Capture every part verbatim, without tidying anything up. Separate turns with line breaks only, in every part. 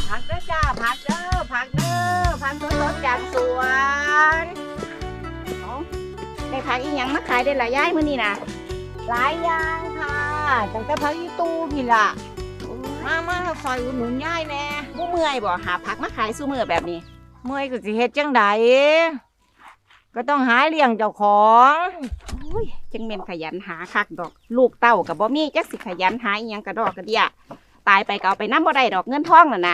ผักเด้อจ้าผักเด้อผักเด้อผักสดๆจากสวนได้ผักอีหยังมาขายได้หลายย่ายมื้อนี้นะหลายอย่างค่ะตั้งแต่ผักอีตู้พี่ล่ะมามาคอยอุดหนุนย่ายแน่บ่เมื่อยบ่หาผักมาขายซุมื้อแบบนี้เมื่อยก็สิเฮ็ดจังไดก็ต้องหาเลี้ยงเจ้าของโอ้ยจังแม่นขยันหาคักดอกลูกเต้าก็บ่มีจักสิขยันหาอีหยังกระดอกกระเดียตายไปก็เอาไปนำบ่ได้ดอกเงินทองนั่นน่ะ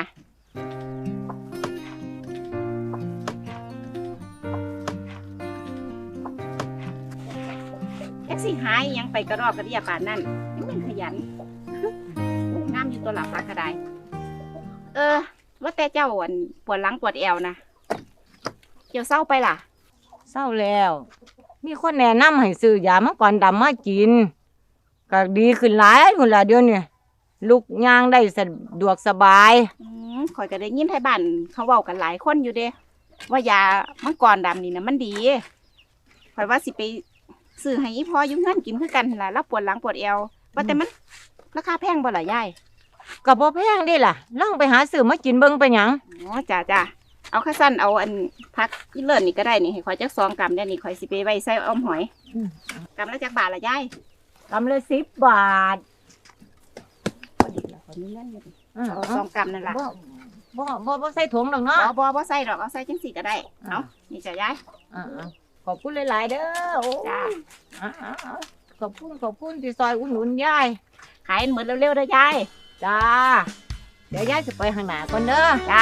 จักสิหาอีหยังไปกระดอกกระเดียปานนั้นจังแม่นขยันงามอยู่ตัวหลับปากกระไดเออว่าแต่เจ้าอันปวดหลังปวดแอวนะเจ้าเศร้าไปล่ะ
เศร้าแล้วมีคนแนะนำให้ซื้อยามังกรดำมากินก็ดีขึ้นหลายพุ่นล่ะเดี๋ยวนี้ลุกย่างได้สะดวกสบาย
อืมข่อยก็ได้ยินไทบ้านเขาเว้ากันหลายคนอยู่เด้ว่ายามังกรดำนี่นะมันดีข่อยว่าสิไปซื้อให้อีพ่ออยู่เฮือนกินคือกันล่ะแล้วปวดหลังปวดแอวว่าแต่มันราคาแพงบ่ล่ะยาย
ก็บ่แพงเด้ล่ะลองไปหาซื้อมากินเบิ่งไปหยัง
อ๋อจ้าจ้าเอาข้าสั้นเอาอันพักอีเลิศนี่ก็ได้นี่ให้ข่อยจักสองกรัมได้นี่ข่อยสิไปไว้ใส่อ้อมหอยกรัมละจักบาทล่ะยาย
กรัมละสิบบาท
พอดีแล้วข่อยมีเงินอยู่เอาสองกรัมนั่นล่ะ
บ่บ่บ่บ่ใส่ถุงดอกเนาะ
บ่บ่บ่ใส่ดอกเอาใส่จังสี่ก็ได้เนาะนี่จ้ะยาย
อ่าขอบคุณหลายๆเด้อโอ้
จ้า
ขอบคุณขอบคุณที่ซอยอุดหนุนยาย
ขายเหมือนเร็วๆเด้อยาย
จ้าเดี๋ยวยายจะไปข้างหน้าก่อนเด้อ
จ้า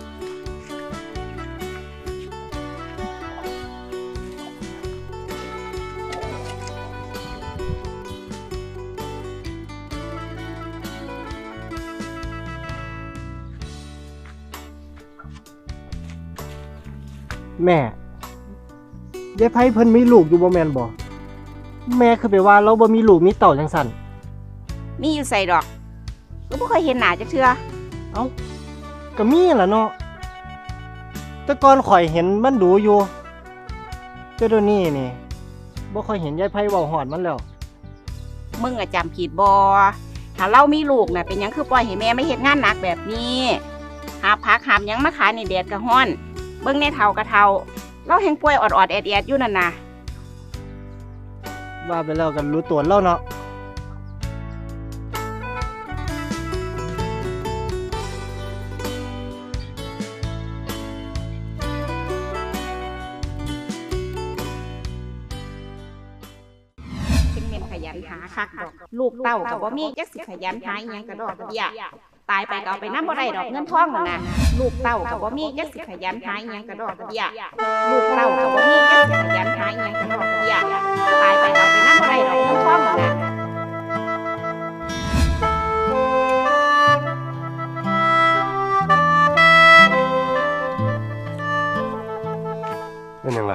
แม่ยายไผเพิ่นมีลูกอยู่บ่แม่นบ่แม่คือไปว่าเราบ่มีลูกมีเต้าจังซั่น
มีอยู่ใส่ดอกก็บ่เคยเห็นหน้าจักเทื่อ
เอ้าก็มีล่ะเนาะแต่ก่อนข่อยเห็นมันดูอยู่แต่เดี๋ยวนี้นี่บ่ค่อยเห็นยายไผเว้าฮอดมันแล้ว
มึงอะจำผิดบ่ถ้าเรามีลูกน่ะเป็นหยังคือปล่อยให้แม่ไม่เฮ็ดงานหนักแบบนี้หาผักหามหยังมาขายในแดดก็ร้อนเบิ่งในเฒ่ากะเฒ่าเราแฮงป่วยออดๆแอดๆอยู่นั่นน่ะ
ว่าไปแล้วกันรู้ตัวแล้วเนาะ
เป็นเม่นขยันหาคักดอกลูกเต้าก็บ่มีจักสิขยันหาอีหยังกระดอกกระเดียตายไปก็เอาไปนำบ่ได้ดอกเงินทองนั่นน่ะลูกเต้าก็บ่มีจักสิขยันหาอีหยังกระดอกกระเดียลูกเต้าก็บ่มีจักสิขยันหาอีหยังกระดอกกระเดียตายไปก็เอาไปนำบ่ได้ดอกเงินทองนั่นน่ะ
เป็นยังไง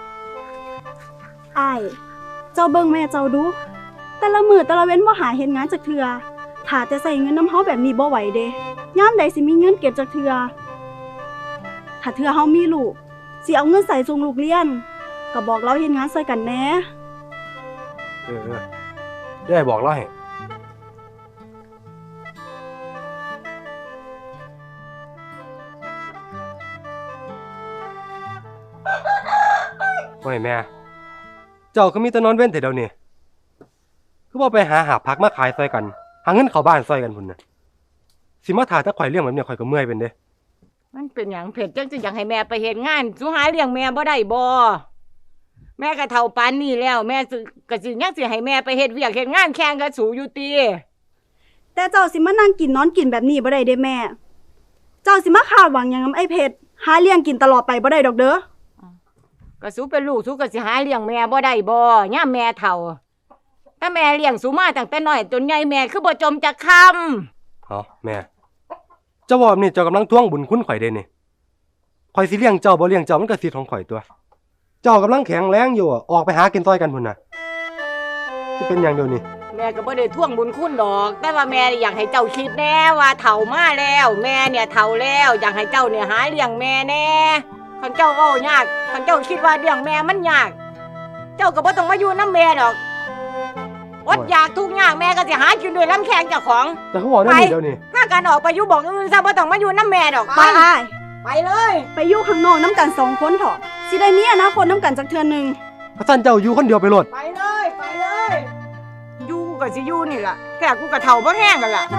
อ้ายเจ้าเบิ่งแม่เจ้าดูแต่ละมื้อแต่ละเว้นบ่หาเฮ็ดงานจักเทื่อถ้าแต่ใส่เงินน้ำเฮาแบบนี้บ่ไหวเด้ยามใดสิมีเงินเก็บจักเทื่อถ้าเทื่อเฮามีลูกสิเอาเงินใส่ส่งลูกเรียนก็บอกเราเฮ็ดงานช่วยกันแหน่
เออๆได้บอกเราให้โอ้ยแม่เจ้าก็มีแต่นอนเว้นแต่เดี๋ยวนี้คือบ่ไปหาหาผักมาขายซอยกันหาเงินเข้าบ้านซอยกันพุ่นน่ะสิมาถ่าถ้าข่อยเลี้ยงแบบนี้ข่อยก็เมื่อยเป็นเด้
มันเป็นหยังเผ็ดจังสิอยากให้แม่ไปเฮ็ดงานสุหาเลี้ยงแม่บ่ได้บ่แม่ก็เฒ่าปานนี้แล้วแม่ก็สิยังสิให้แม่ไปเฮ็ดเวียกเฮ็ดงานแข่งกับสูอยู่ติ
แต่เจ้าสิมานั่งกินนอนกินแบบนี้บ่ได้เด้แม่เจ้าสิมาคาดหวังหยังกับไอ้เพชรหาเลี้ยงกินตลอดไปบ่ได้ดอกเด้อ
ก็สูเป็นลูกสูก็สิหาเลี้ยงแม่บ่ได้บ่ยามแม่เฒ่าถ้าแม่เลี้ยงสูมาตั้งแต่น้อยจนใหญ่แม่คือบ่จมจักคำ
อ๋อแม่เจ้าว่านี่เจ้ากำลังทวงบุญคุณข่อยเด้นี่ข่อยสิเลี้ยงเจ้าบ่เลี้ยงเจ้ามันก็สิทธิ์ของข่อยตัวเจ้ากำลังแข็งแรงอยู่ออกไปหากินซอยกันพุ่นน่ะสิเป็นหยังเดี๋ยวนี้
แม่ก็บ่ได้ทวงบุญคุณดอกแต่ว่าแม่อยากให้เจ้าคิดแน่ว่าเฒ่ามาแล้วแม่เนี่ยเฒ่าแล้วอยากให้เจ้าเนี่ยหาเลี้ยงแม่แน่คันเจ้าเว้ายากคันเจ้าคิดว่าเลี้ยงแม่มันยากเจ้าก็บ่ต้องมาอยู่นำแม่ดอกอดอยากทุกอย่างแม่ก็สิหากินด้วยลำแข้งเจ้าของ
แต่เขาบอกได้นี่เดี๋ยวนี้
ถ้าการออกไปอยู่บอกอื่นซะบ่ต้องมาอยู่น้ำแม่ดอก
ไปอ้าย
ไปเลย
ไปอยู่ข้างนอกน้ำกันสองคนเถอะสิได้มีอนาคตน้ำกันจักเทื่อหนึง
ข้าสั้นเจ้าอยู่คนเดียวไปโลด
ไปเลยไปเลยอยู่กูก็สิอยู่นี่ล่ะแค่กูก็เฒ่าบ่แห้งกันล่ะ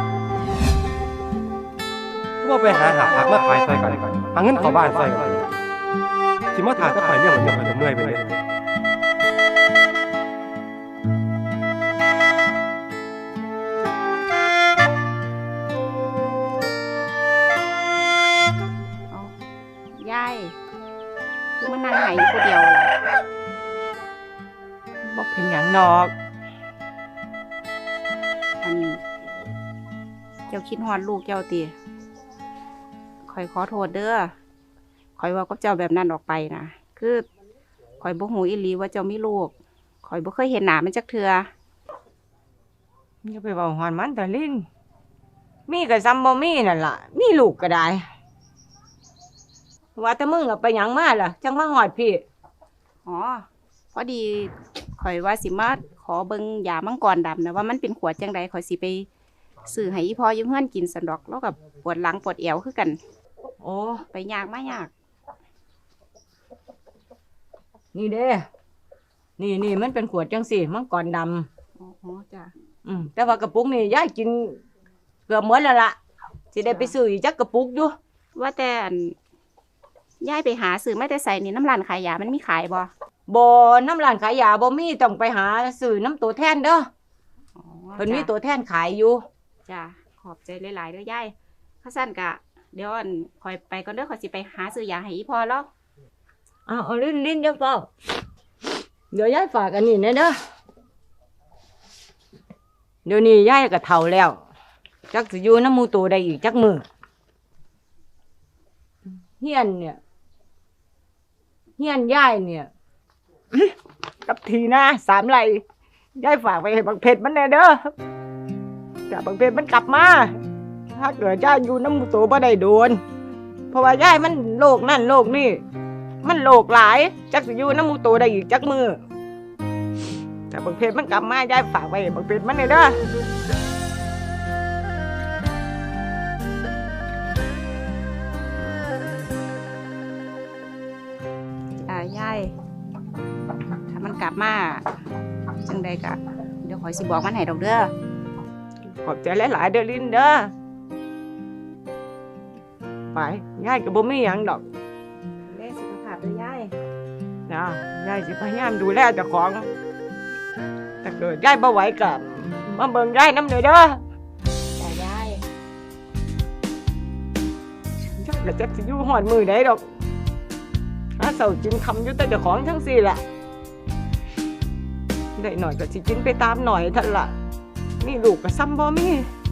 ว่าไปหาหาพักมาขายใส่กันหาเงินเข้าบ้านใส่กันสิมาถ่ายถ้าขายเรื่องเหมือนเดิมเหนื่อยไปเลย
ยายคือมันนั่งไหอยู่คนเดียวล่ะ
บ่เป็นหยังดอก
อันนี้เจ้าคิดฮอดลูกเจ้าติข่อยขอโทษเด้อข่อยเว่ากับเจ้าแบบนั้นออกไปนะคือข่อยบ่ฮู้อีหลีว่าเจ้ามีลูกข่อยบ่เคยเห็นหน้ามันจักเทื่อ
อย่าไปเว้าฮอนมันตะลินมีก็ซ้ำบ่มีนั่นล่ะมีลูกก็ได้ว่าแต่มึงอะไปหยังมาล่ะจังมาฮอดพี่
อ๋อพอดีข่อยว่าสิมาขอเบิ่งยามังกรดำนะว่ามันเป็นขวดจังใดข่อยสิไปซื้อให้อีพ่ออยู่เฮือนกินสันดอกแล้วกับปวดหลังปวดเอวคือกัน
โอ้
ไปยากมายาก
นี่เด้นี่นี่มันเป็นขวดจังสิมังกรดำ
อ๋อจ้ะ
อืมแต่ว่ากระปุกนี่ยายกินเกือบหมดแล้วล่ะสิได้ไปซื้ออีกจักกระปุกอยู่
ว่าแต่อันยายไปหาซื้อมาแต่ใส่นี่น้ำร้านขายยามันมีขายบ่
บ่น้ำร้านขายยาบ่มีต้องไปหาซื้อน้ำตัวแทนเด้อ
อ๋อ
เพิ่นมี
จ้ะ
ตัวแทนขายอยู่
จ้ะขอบใจหลายๆเด้อยายข้าสั้นกะเดี๋ยวอันข่อยไปก่อนเด้อข่อยสิไปหาซื้อยาให้อีพ่อแล้ว
อ้าวเอาลิ้นลิ้นเดี๋ยวเปล่าเดี๋ยวยายฝากอันนี้แน่เด้อเดี๋ยวนี้ยายก็เฒ่าแล้วจักสิอยู่น้ำหมู่โตได้อีกจักมื้อเฮียนเนี่ยเฮียนยายเนี่ย กับทีนะสามไร่ยายฝากไปให้บักเพชรมันแน่เด้อแต่บักเพชรมันกลับมาถ้าเกิดยายอยู่น้ำหมู่โตบ่ได้โดนเพราะว่ายายมันโรคนั่นโรคนี่มันโรคหลายจักสิอยู่น้ำหมู่โตได้อีกจักมือแต่บักเพชรมันกลับมายายฝากไปให้บักเพชรมันแน่เด้อ
อ่ายายถ้ามันกลับมาจังใดกะเดี๋ยวข่อยสิบอกมันให้ดอกเด้อ
ขอบใจหลายๆเด้อลินเด้อไปยายก็บ่มีหยังดอก
ดูแลสุขภาพเด้อยาย
นะยายสิพยายามดูแลเจ้าของถ้าเกิดยายบ่ไหวก็มาเบิ่งยายนำเด้อเด้อ
จ้ายาย
ยายก็จักสิอยู่ฮอดมื้อใดดอกหาเช้ากินค่ำอยู่แต่เจ้าของทั้งสี่ล่ะได้หน่อยก็สิกินไปตามหน่อยเท่านั้นล่ะมีลูกก็ซ้ำบ่มี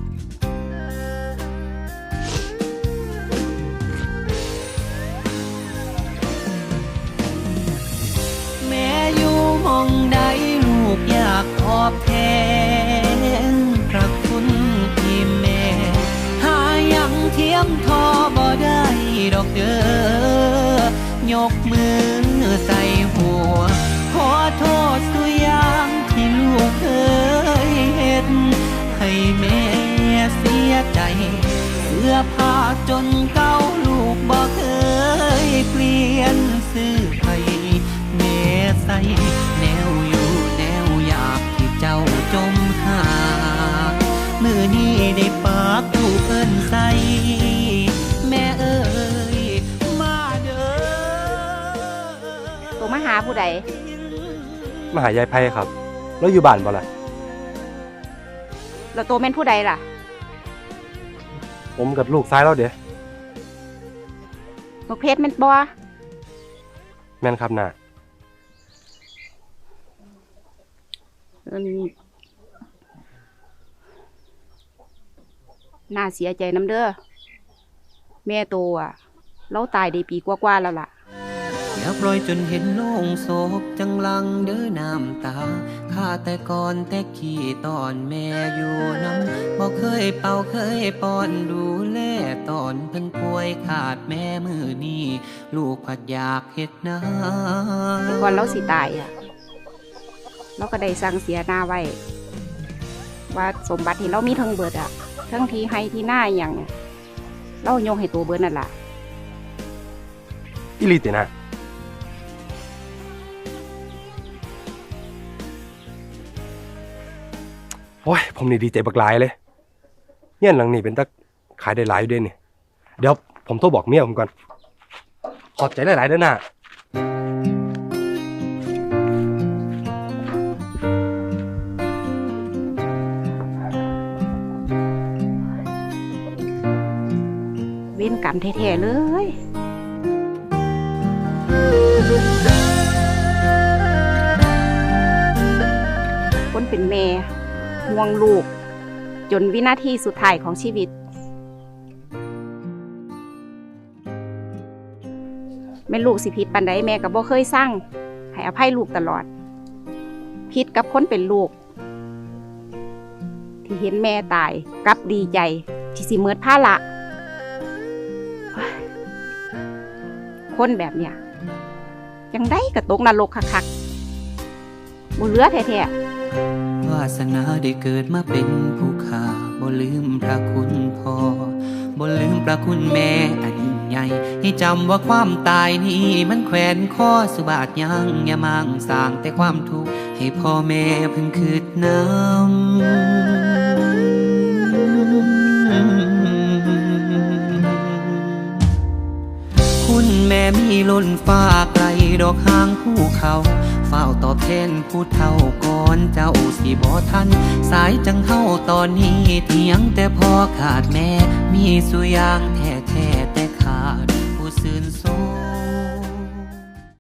แม่อยู่หมองใดลูกอยากตอบแทนพระคุณที่แม่หายังเทียมทอบ่ได้ดอกเด้อยกมือใส่หัวขอโทษสุอยางที่ลูกเคยเฮ็ดให้แม่เสียใจเสื้อผ้าจนเก่าลูกบ่เคยเปลี่ยนซื้อให้แม่ใส่แนวอยู่แนวอยากที่เจ้าจมหามือนี้ได้ปากลูกเอิ้นใส่แม่เอ้ยมาเด้อ
ตัวมาหาผู้ใด
มาหายายไพ่ครับ แล้วอยู่บ้านบ่ล่ะ
แล้วตัวแม่นผู้ใดล่ะ
ผมกับลูกซ้ายแล้วเด้
บักเพชรแม่นบ่
แม่นครับน่ะ
อันน่าเสียใจน้ำเด้อแม่โตอ่ะเราตายได้ปีกว่าๆแล้วล่ะ
อย่าปล่อยจนเห็นโล่งโศกจังลังเด้อน้ำตาข้าแต่ก่อนแต่ขี้ตอนแม่อยู่น้ำบ่เคยเป่าเคยป้อนดูแลตอนเพิ่นป่วยขาดแม่มือนี้ลูกผัดอยากเฮ็ดนา
แต่ก่อนเราสิตายอ่ะเราก็ได้สั่งเสียหน้าไว้ว่าสมบัติที่เรามีทั้งเบิดอะทั้งที่ให้ที่หน้าอหย่างเนี่ยเราโยงให้ตัวเบิดนั่นล่ะ
อีหลีตินะโอ้ยผมนี่ดีใจบักหลายเลยเงี้ยหลังนี่เป็นตะขายได้หลายอยู่เด้นี่เดี๋ยวผมโทรบอกเมียผมก่อนขอบใจหลายๆเด้อน่ะ
เว้นกรรมแท้ๆเลย คนเป็นแม่ห่วงลูก จนวินาทีสุดท้ายของชีวิต แม่ลูกสิผิดปานใดแม่ก็บ่เคยสั่งให้อภัยลูกตลอด ผิดกับคนเป็นลูก ที่เห็นแม่ตายกลับดีใจที่สิเมิดภาระคนแบบเนี้ยยังได้กระตกนรกคักๆบ่เหลือแท้ๆ
วาสนาได้เกิดมาเป็นผู้ข้าบ่ลืมพระคุณพ่อบ่ลืมพระคุณแม่อันยิ่งใหญ่ให้จำว่าความตายนี้มันแขวนคอสุบาทยังอย่ามั่งสร้างแต่ความทุกข์ให้พ่อแม่เพิ่งคืดน้ำคุณแม่มีล้นฟ้าไกลดอกหางภูเขาเฝ้าตอบแทนผู้เฒ่าก่อนเจ้าสิบ่ทันสายจังเฮาตอนนี้เถียงแต่พ่อขาดแม่มีสุอย่างแท้แท้แต่ขาดผู้ซื่น